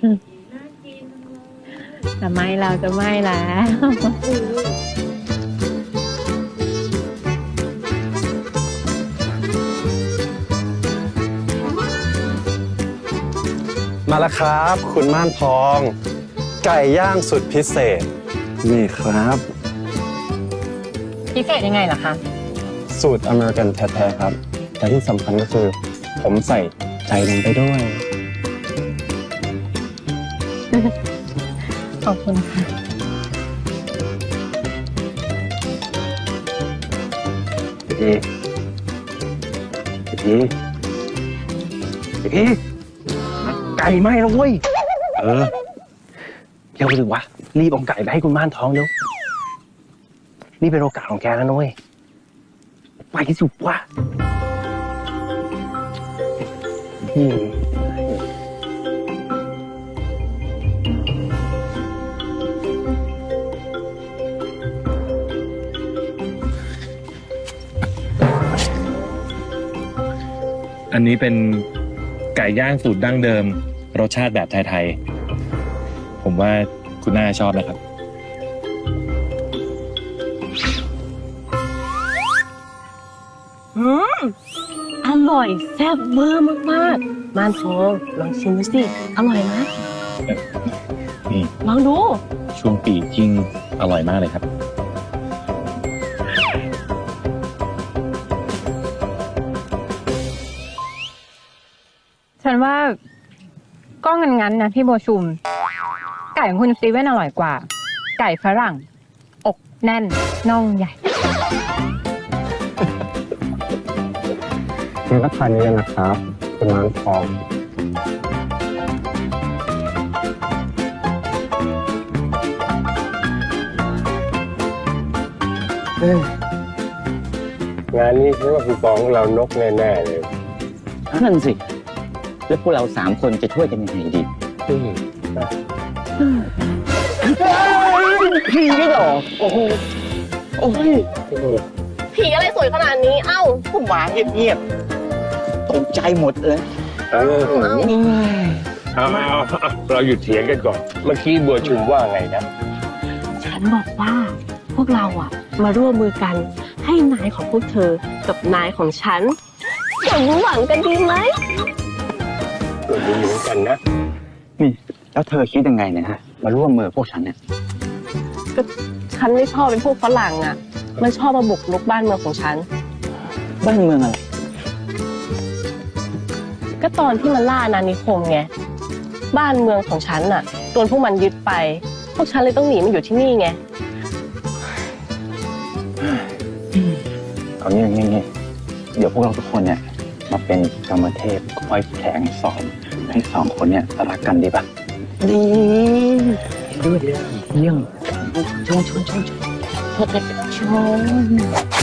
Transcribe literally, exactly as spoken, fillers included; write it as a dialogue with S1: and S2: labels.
S1: จะไม่เราจะไม่แล้ว
S2: มาแล้วครับ คุณม่านทอง ไก่ย่างสุดพิเศษ นี่ครับ
S1: พิเศษยังไงล่ะคะ
S2: สูตรอเมริกันแท้ๆครับ แต่ที่สำคัญก็คือ ผมใส่ใจลงไปด้วย
S1: ขอบคุณค่ะ
S2: พี่พี่พี่ไก่ไหม้แล้วเว้ย เออเร็วไปถึงวะ รีบเอาไก่ไปให้คุณม่านท้องเร็วนี่เป็นโอกาสของแกแล้วนุ้ยไปที่สุดวะอืม
S3: อันนี้เป็นไก่ย่างสูตรดั้งเดิม รสชาติแบบไทยๆ ผมว่าคุณน่าชอบนะครับ
S4: อืมอร่อยแซ่บเวอร์มากๆม่านทองลองชิมดูสิ อร่อยไหม
S3: นี่
S4: ลองดู
S3: ช่วงปีกยิ่งอร่อยมากเลยครับ
S1: ฉันว่าก็งั้นๆนะพี่โบชุม ไก่ของคุณสตีเว่นอร่อยกว่า ไก่ฝรั่ง อกแน่นน่องใหญ่
S2: คุณก็ทานเยอะนะครับ คุณม่านทองงานนี้คิดว่าคุณฟองเรานกแน่ๆเลย
S5: นั่นสิ แล้วพวกเราสามคนจะช่วยกันยังไงดีผีไม่หรอโอ้โหโอ้ย
S4: ผีอะไรสวยขนาดนี้ เอ้า
S5: ผมมาเงียบๆตกใจหมดเลย
S6: เออเอาเอาเอาเราหยุดเถียงกันก่อน เมื่อกี้บัวชุมว่าไงนะ
S4: ฉันบอกว่าพวกเราอะมาร่วมมือกันให้นายของพวกเธอกับนายของฉันสมหวังกันดีไหม
S6: ก็ดีเหมือนกันนะ
S5: นี่ แล้วเธอคิดยังไงเนี่ยฮะ มาร่วมมือพวกฉันเนี่ย
S4: ก็ฉันไม่ชอบเป็นพวกฝรั่งอะมันชอบมาบุกรุกบ้านเมืองของฉัน
S5: บ้านเมืองอะไร
S4: ก็ตอนที่มันล่าอาณานิคมไง บ้านเมืองของฉันน่ะโดนพวกมันยึดไป พวกฉันเลยต้องหนีมาอยู่ที่นี่ไง
S5: เอางี้งี้งี้เดี๋ยวพวกเราทุกคนเนี่ย มาเป็นกรรมเทพคอยแผลงสอนให้สองคนเนี่ยรักกันดีป่ะ ดีด้วยเยี่ยมชนชนชนชนชนชน